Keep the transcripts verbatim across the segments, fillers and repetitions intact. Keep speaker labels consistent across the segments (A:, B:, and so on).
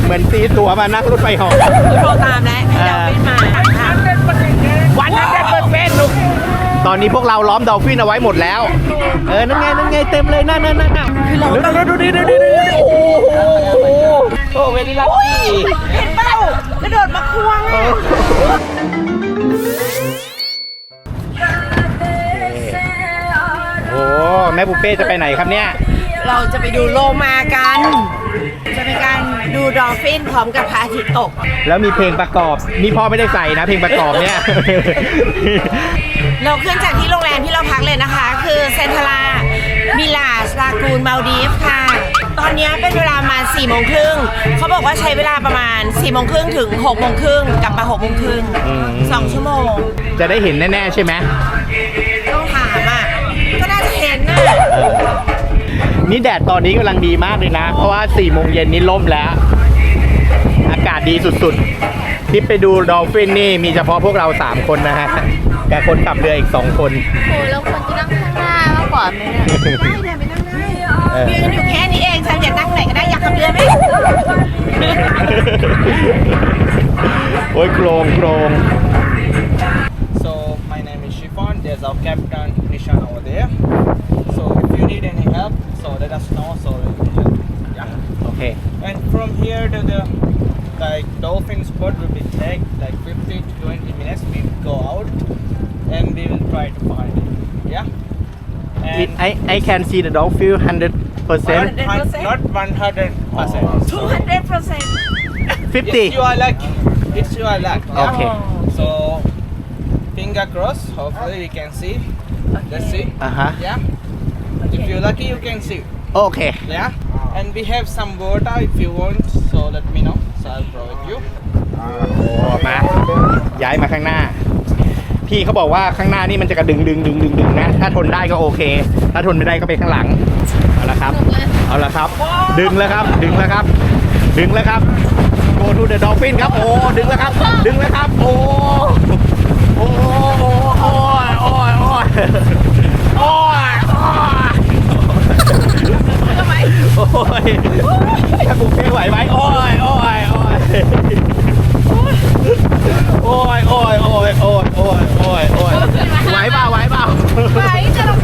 A: เหมือนตีตั๋วมานั่งรถไฟเหาะ
B: โทรตามแล้วให้ดอลฟินมา
A: วันนั้นได้เปิดเฟซลูกตอนนี้พวกเราล้อมดอลฟินเอาไว้หมดแล้วเออนั่นไงนั่นไงเต็มเลยนั่นนั่นนั่นดูดูดูดูดูดูโอ้โหโอ้เวลี่ลักกี้
B: เห็นเปล่ากระโดดมาควงอ่ะ
A: โอ้แม่ปุเป้จะไปไหนครับเนี่ย
B: เราจะไปดูโลมากันจะเป็นการดูดอลฟินพร้อมกับพระอาทิตย์ตก
A: แล้วมีเพลงประกอบนี่พ่อไม่ได้ใส่นะเพลงประกอบเนี่ย
B: เราขึ้นจากที่โรงแรมที่เราพักเลยนะคะคือเซนทรามิลาสลากูนมาลดีฟค่ะตอนนี้เป็นเวลามาสี่โมงครึ่งเขาบอกว่าใช้เวลาประมาณสี่โมงครึ่งถึงหกโมงครึ่งกลับมาหกโมงครึ่งสองชั่วโมง
A: จะได้เห็นแน่ๆใช่ไหม
B: ต้องถามอ่ะก็น่าจะเห็นนะ
A: นี่แดดตอนนี้กำลังดีมากเลยนะเพราะว่าสี่โมงเย็นนี้ล่มแล้วอากาศดีสุดๆที่ไปดูดอลฟินนี่มีเฉพาะพวกเราสามคนนะฮะกับคนขับเรืออีกสองคน
C: โอ้แล้วคนจะนั่งข้างหน้ามากกว่าไหมเนี่ย
B: ได้เดินไปนั่งได้ยืนอยู่แค่นี้เองฉันอยากนั่งไหนก็ได้อยากขับเรือไหม
A: โอ้ยโครงโครง
D: So my name is Shifan. There's our captain Nishan over there. So if you need any help, so let us know. So we will help. Yeah.
A: Okay.
D: And from here to the like dolphin spot will be take like fifteen to twenty minutes. We will go out and we will try to find it. Yeah.
A: And I I can see the dolphin hundred percent.
D: Not one hundred percent.
B: Two hundred percent.
A: Fifty.
D: It's your luck. It's your luck. Yeah?
A: Okay.
D: So finger crossed. Hopefully we can see. Let's see.
A: Uh huh.
D: Yeah. If you're lucky, you can see.
A: Okay.
D: Yeah. And we have some water if you want. So let me know. So I'll provide you.
A: โอ้มาย้ายมาข้างหน้าพี่เขาบอกว่าข้างหน้านี่มันจะกระดึงดึงดึงดึงดึงนะถ้าทนได้ก็โอเคถ้าทนไม่ได้ก็ไปข้างหลังเอาละครับเอาละครับดึงแล้วครับดึงแล้วครับดึงแล้วครับ Go to the dolphin ครับโอ้ดึงแล้วครับดึงแล้วครับโอ้โอ้โอ้โอ้ยโอ้ยโอ้ยโอ้ยทำไมโอ้ยถ้ากูไม่ไหวไหมโอ้ยโอ้ยโอ้ยโอ้ยโอ้ยโอ้ยโอ้ยโอ้ยโอ้ยโอ้ยไหวเปล่าไหวเปล่า
B: ไหวจะลง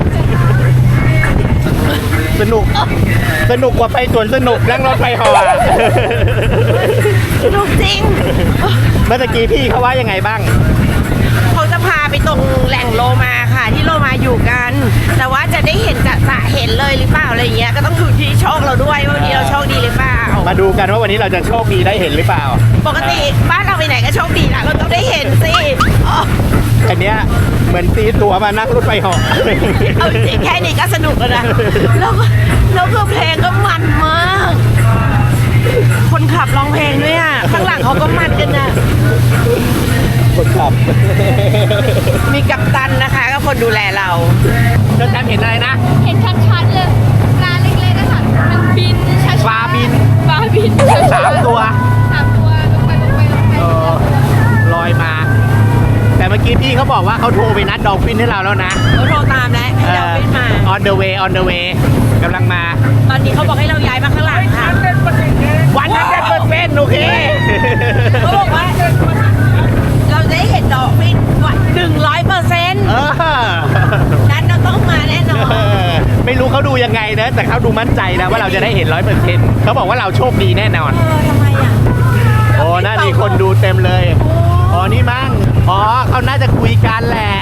A: สนุกสนุกกว่าไปสวนสนุกนั่งรถไฟเหาะ
B: สนุกจริง
A: เมื่อกี้พี่เขาว่ายังไงบ้าง
B: เขาจะพาไปตรงแหล่งโลมาค่ะที่โลมาอยู่กันแต่ว่าจะได้เห็นจะจะเห็นเลยหรือเปล่าอะไรอย่างเงี้ยก็ต้องดูที่โชคเราด้วยว่าวันนี้เราโชคดีหรือเปล่า
A: มาดูกันว่าวันนี้เราจะโชคดีได้เห็นหรือเปล่า
B: ปกติบ้านเราไปไหนก็โชคดีนะเราต้องได้เห็นสิ
A: อันเนี้ยเหมือนตีตั๋วมานั่งรถไฟเหาะ
B: เอาจริงแค่นี้ก็สนุกแล้วนะแล้วแล้วคือเพลงก็มันมากคนขับร้องเพลงด้วยอ่ะข้างหลังเขาก็มันกันนะ
A: คนขับ
B: มีกัปตันนะคะก็คนดูแลเรา
A: เจ้าแซมเห็นอะไรนะ
C: เห็นชัดๆเลยปลาเล็กๆนะคะมันบินช้าๆ
A: ปลาบิน
C: ปลาบิน
A: สามตัว
C: สามตัวลงไปลงไปลงไป
A: ลอยมาแต่เมื่อกี้พี่เขาบอกว่าเขาโทรไปนัดดอลฟินให้เราแล้วนะ
B: เขาโทรตามแล้วให้ดอลฟินมา
A: on the way on the way กำลังมา
B: ตอนนี้เขาบอกให้เราย้ายมาข้างหลังค่ะ
A: วันนั้นได้เปิดเฟซโอเค
B: เขาบอกว่าเราจะได้เห็นดอลฟินวันหนึ่งร้อยเปอร์เซ็นต์นั้นเราต้องมาแน่นอน
A: ไม่รู้เขาดูยังไงนะแต่เขาดูมั่นใจนะว่าเราจะได้เห็นร้อยเปอร์เซ็นต์เขาบอกว่าเราโชคดีแน่นอน
B: เออทำไมอ่ะ
A: โอ้น่ามีคนดูเต็มเลยอ๋อนี่มั้งอ๋อเขาน่าจะคุยกันแหละ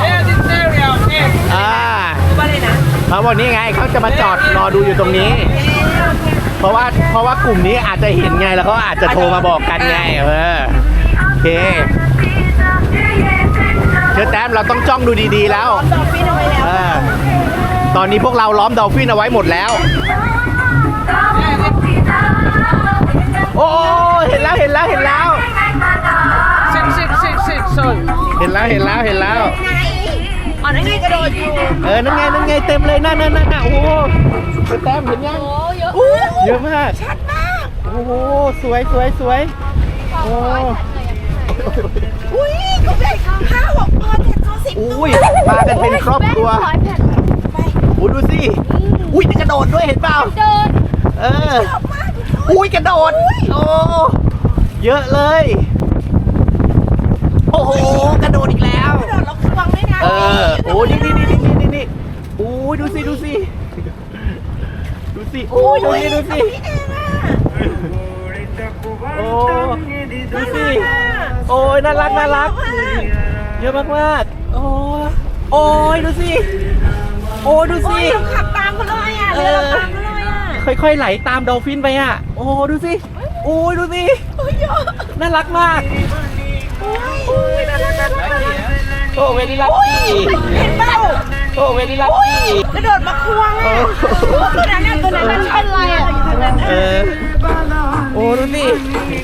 A: อ่า
B: ว่าเลยนะ
A: เขาบอกนี่ไงเขาจะมาจอดรอดูอยู่ตรงนี้เพราะว่าเพราะว่ากลุ่มนี้อาจจะเห็นไงแล้วเขาอาจจะโทรมาบอกกันไงเออโอเคเชิญแต้มเราต้องจ้องดูดีๆแล้ว
B: ดอลฟินเอาไว้แล้ว
A: ตอนนี้พวกเราล้อมดอลฟินเอาไว้หมดแล้วโอ้เห็นแล้วเห็นแล้วเห็นแล้ว
D: ซิกซิกซิกซิกโซน
A: เห็นแล้วเห็นแล้วเห็นแล้ว
B: อ๋อนั่นไงกระโดดอยู่
A: เออนั่นไงนั่นไงเต็มเลยนั่นนั่นนั่นโอ้โหแต้มเห็นยัง
C: โอ้เยอะ
A: เยอะมาก
B: ชัดมาก
A: โอ้โหสวยสวยสวยโอ้
B: อุ้ยก็ได้ห้าหกตัวเจ็ดตัวสิบตัว
A: อุ้ยมากันเป็นครอบครัวโอ้ดูสิอุ้ยจะกระโดดด้วยเห็นเปล่า
C: เดิน
A: เอออุ้ยกระโดดโอ้เยอะเลย โอ้โหกระโดดอีกแล้ว
B: กระโดดแล้วควงด้วยนะ
A: เออโอ้นี่นี่นี่นี่นี่นี่โอ้ยดูสิดูสิดูสิโอ้ยดูสิดูสิโอ้ดูสิโอ้ยน่ารักน่ารักเยอะมากมากโอ้โอ้ยดูสิโอ้ดู
B: โอ้
A: สิ
B: ยเราขับตามเขาเลยอ่ะเรือเราตามเขาเลยอ่ะ
A: ค่อยๆไหลตามดอลฟินไปอ่ะโอ้ดูสิโอ้ยดูสิ
B: โอ้ยเยอะ
A: น่ารักมาก
B: โอ้ยน่ารักน่ารักน่ารัก
A: โอ้เวลี่ลัก
B: โอ้ย
A: กี้
B: เห็นเปล่า
A: โอ้เวลี่ลัก
B: โอ้ย
A: กี้
B: กระโดดมาควงอ่ะตัวนั้นน่ะตัวนั้นน่ะเป็นอะไรอ่ะตัวนั้น
A: เอ
B: น่ะ
A: อโอ้ดูสิ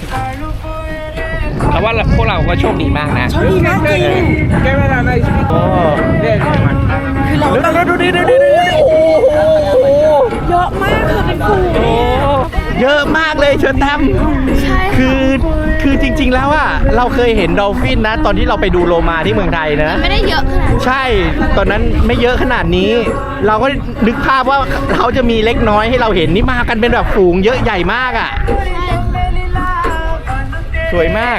A: แต่ว่าพวกเราก็โชคดีมากนะ
B: โชคดีมากจริง
D: Camera nice.
A: โอ้
D: There, there.
B: คือเรา
A: ดูดูดูดูดูดูดูโอ้โห
B: เยอะมากคือเป็นฝูง
A: โอ้เยอะมากเลยเชิญแตม
C: ใช่
A: คือคือจริง ๆ แล้วอะเราเคยเห็นดอลฟินนะ ตอนที่เราไปดูโลมาที่เมืองไทยนะ
C: ไม่ได้เยอะขนาดนั้น
A: ใช่ ตอนนั้นไม่เยอะขนาดนี้ เราก็นึกภาพว่าเขาจะมีเล็กน้อยให้เราเห็นนี่มากันเป็นแบบฝูงเยอะใหญ่มากอะสวยมาก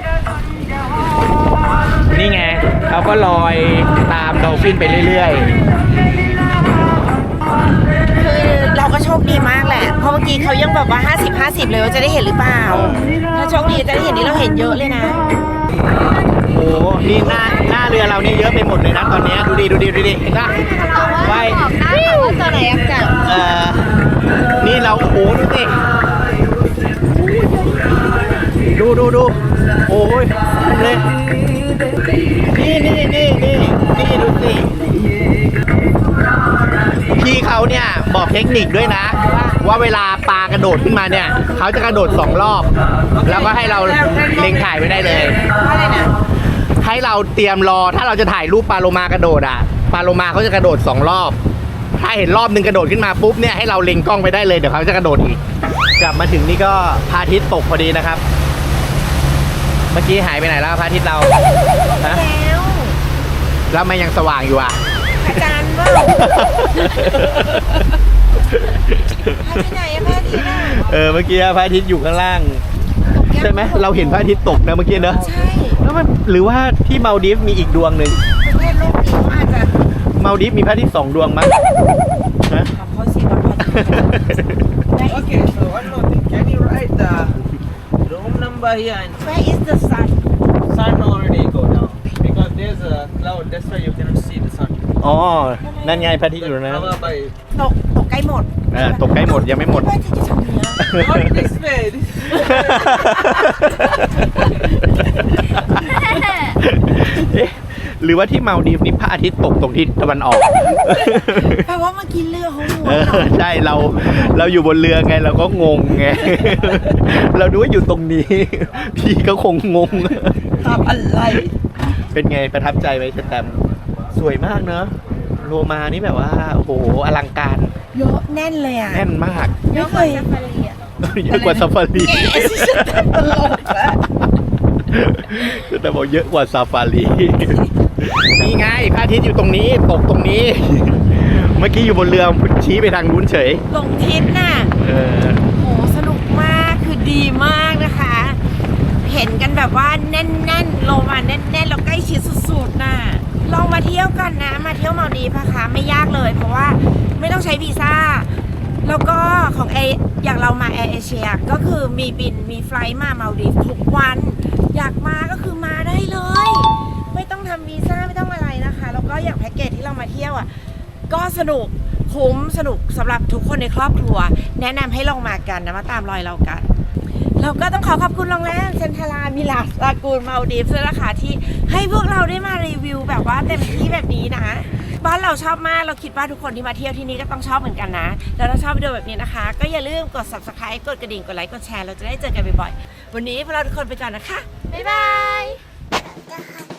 A: นี่ไงเขาก็ลอยตามดอลฟินไปเรื่อย
B: คือเราก็โชคดีมากแหละ เพราะเมื่อกี้เขายังแบบว่าห้าสิบ ห้าสิบเลยว่าจะได้เห็นหรือเปล่า ถ้าโชคดีจะได้เห็นนี่เราเห็นเยอะเลยนะ
A: ๆ โอ้โหนี่หน้าหน้าเรือเรานี่เยอะไปหมดเลยนะตอนนี้ดูดิดูดิดูดิเห็นปะ
C: เอาว่า
A: ว่าย
C: บอกได้ค่ะว่าตัวไหนอักจับ
A: เอ่อนี่เราโอ้โหดูสิดูดูดูโอ้ยเลยนี่นี่นี่นี่นี่ดูสิพี่เขาเนี่ยบอกเทคนิคด้วยนะ ว่าเวลาปลากระโดดขึ้นมาเนี่ยเขาจะกระโดดสองรอบ แล้วก็ให้เราเล็งถ่ายไว้ได้เลย
B: อะไรนะ
A: ให้เราเตรียมรอถ้าเราจะถ่ายรูปปลาโลมากระโดดอ่ะปลาโลมาเขาจะกระโดดสองรอบ ถ้าเห็นรอบหนึ่งกระโดดขึ้นมาปุ๊บเนี่ยให้เราเล็งกล้องไปได้เลยเดี๋ยวเขาจะกระโดดอีก กลับมาถึงนี่ก็พระอาทิตย์ตกพอดีนะครับ เมื่อกี้หายไปไหนแล้วพระอาทิตย์เราฮะ
B: แล้ว
A: แล้วมันยังสว่างอยู่อ่ะ
B: อาจารย์ว่าพาที่ไหนอะพาที่ไหน
A: เออเมื่อกี้พระอาทิตย์อยู่ข้างล่าง ใช่ไหมเราเห็นพระอาทิตย์ตกนะเมื่อกี้เนอะ
B: ใช่
A: แล้วมันหรือว่าที่มาลดีฟมีอีกดวงหนึ่ง
B: ประเทศโลกนี้เขาอาจจะ
A: มาลดีฟมีพระอาทิตย์สองดวงมั้งฮะ
B: ทำเขาสิว่าพาที่
D: Okay, so one more thing. Can you write the room number here and
B: Where is the sun
D: sun already go down? Because there's a cloud, that's why you cannot see the sun.
A: อ๋อ นั่นไงพระอาทิตย์อยู่นะ
D: Cover by
B: ตกตกใกล้หมด
A: เออตกใกล้หมดยังไม่หมด
B: ว่าจะจะทำเนี้ย
D: not this way. This
A: เอ๊ะหรือว่าที่มาลดีฟนี่พระอาทิตย์ตกตรงทิศตะวันออก
B: แปลว่าเมื่อกี้เรือเขาหัว
A: เออใช่เราเราอยู่บนเรือไงเราก็งงไง เราดูว่าอยู่ตรงนี้ พี่ก็คงงง
B: ตอบอะไร
A: เป็นไงประทับใจไหมเชแตมสวยมากเนอะโลมานี่แบบว่าโอ้โหอลังการ
B: เยอะแน่นเลยอ่ะ
A: แน่นมาก
B: ไม่เคย
A: เยอะกว่าซาฟารี
B: แกสิฉันตลกละ
A: แต่บอกเยอะกว่าซาฟารี นี่ไงพระอาทิตย์อยู่ตรงนี้ตกตรงนี้ เมื่อกี้อยู่บนเรือชี้ไปทางนู้นเฉย
B: ลงทิศน่ะ
A: เออ
B: โหสนุกมากคือดีมากนะคะ เห็นกันแบบว่าแน่นๆโลมาแน่นๆแล้วใกล้ชิดสุดๆน่ะลองมาเที่ยวกันนะ มาเที่ยวมาลดีฟนะคะไม่ยากเลย เพราะว่าไม่ต้องใช้วีซ่า แล้วก็ของเออย่างเรามาแอร์เอเชียก็คือมีบินมีไฟลท์มามาลดีฟทุกวัน อยากมาก็คือมาได้เลย ไม่ต้องทำวีซ่าไม่ต้องอะไรนะคะ แล้วก็อย่างแพ็กเกจที่เรามาเที่ยวอ่ะก็สนุกคุ้มสนุกสำหรับทุกคนในครอบครัว แนะนำให้ลองมากันนะมาตามรอยเรากัน เราก็ต้องขอขอบคุณโรงแรมเซนทารามิลาสลากูนมาลดีฟด้วยนะคะที่ให้พวกเราได้มารีวิวแบบว่าเต็มที่แบบนี้นะ บ้านเราชอบมากเราคิดว่าทุกคนที่มาเที่ยวที่นี่ก็ต้องชอบเหมือนกันนะ แล้วถ้าชอบวิดีโอแบบนี้นะคะ ก็อย่าลืมกด ซับสไครบ์ กดกระดิ่งกดไลค์กดแชร์เราจะได้เจอกันบ่อยๆวันนี้พวกเราทุกคนไปก่อนนะคะ
C: บ๊ายบาย